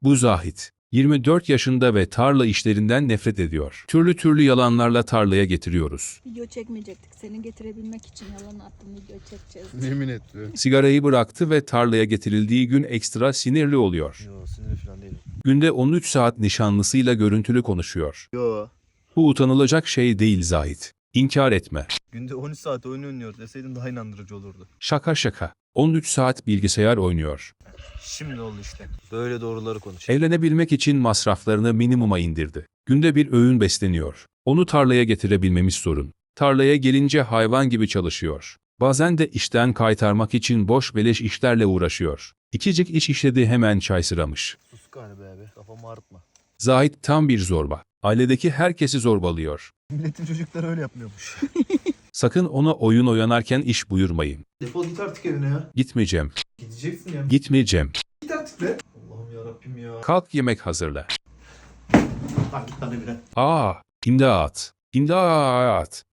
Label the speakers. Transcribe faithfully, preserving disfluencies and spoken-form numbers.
Speaker 1: Bu Zahit. yirmi dört yaşında ve tarla işlerinden nefret ediyor. Türlü türlü yalanlarla tarlaya getiriyoruz.
Speaker 2: Video çekmeyecektik. Seni getirebilmek için yalan attım, video çekeceğiz.
Speaker 3: Yemin etmiyorum.
Speaker 1: Sigarayı bıraktı ve tarlaya getirildiği gün ekstra sinirli oluyor.
Speaker 4: Yo sinirli falan değilim.
Speaker 1: Günde on üç saat nişanlısıyla görüntülü konuşuyor.
Speaker 4: Yo.
Speaker 1: Bu utanılacak şey değil Zahit. İnkar etme.
Speaker 4: Günde on üç saat oyun oynuyor deseydin daha inandırıcı olurdu.
Speaker 1: Şaka şaka. on üç saat bilgisayar oynuyor.
Speaker 4: Şimdi oldu işte. Böyle doğruları konuş.
Speaker 1: Evlenebilmek için masraflarını minimuma indirdi. Günde bir öğün besleniyor. Onu tarlaya getirebilmemiz sorun. Tarlaya gelince hayvan gibi çalışıyor. Bazen de işten kaytarmak için boş beleş işlerle uğraşıyor. İkicik iş işledi hemen çay sıramış.
Speaker 4: Sus galiba abi. Kafamı ağrıtma.
Speaker 1: Zahit tam bir zorba. Ailedeki herkesi zorbalıyor.
Speaker 4: Milletin çocukları öyle yapmıyormuş.
Speaker 1: Sakın ona oyun oynarken iş buyurmayın.
Speaker 3: Defol git artık evine ya.
Speaker 1: Gitmeyeceğim.
Speaker 3: Gideceksin ya.
Speaker 1: Gitmeyeceğim.
Speaker 3: Git artık be. Allah'ım yarabbim ya.
Speaker 1: Kalk yemek hazırla.
Speaker 3: Lan git lan evine.
Speaker 1: Aa, imdat. İmdat.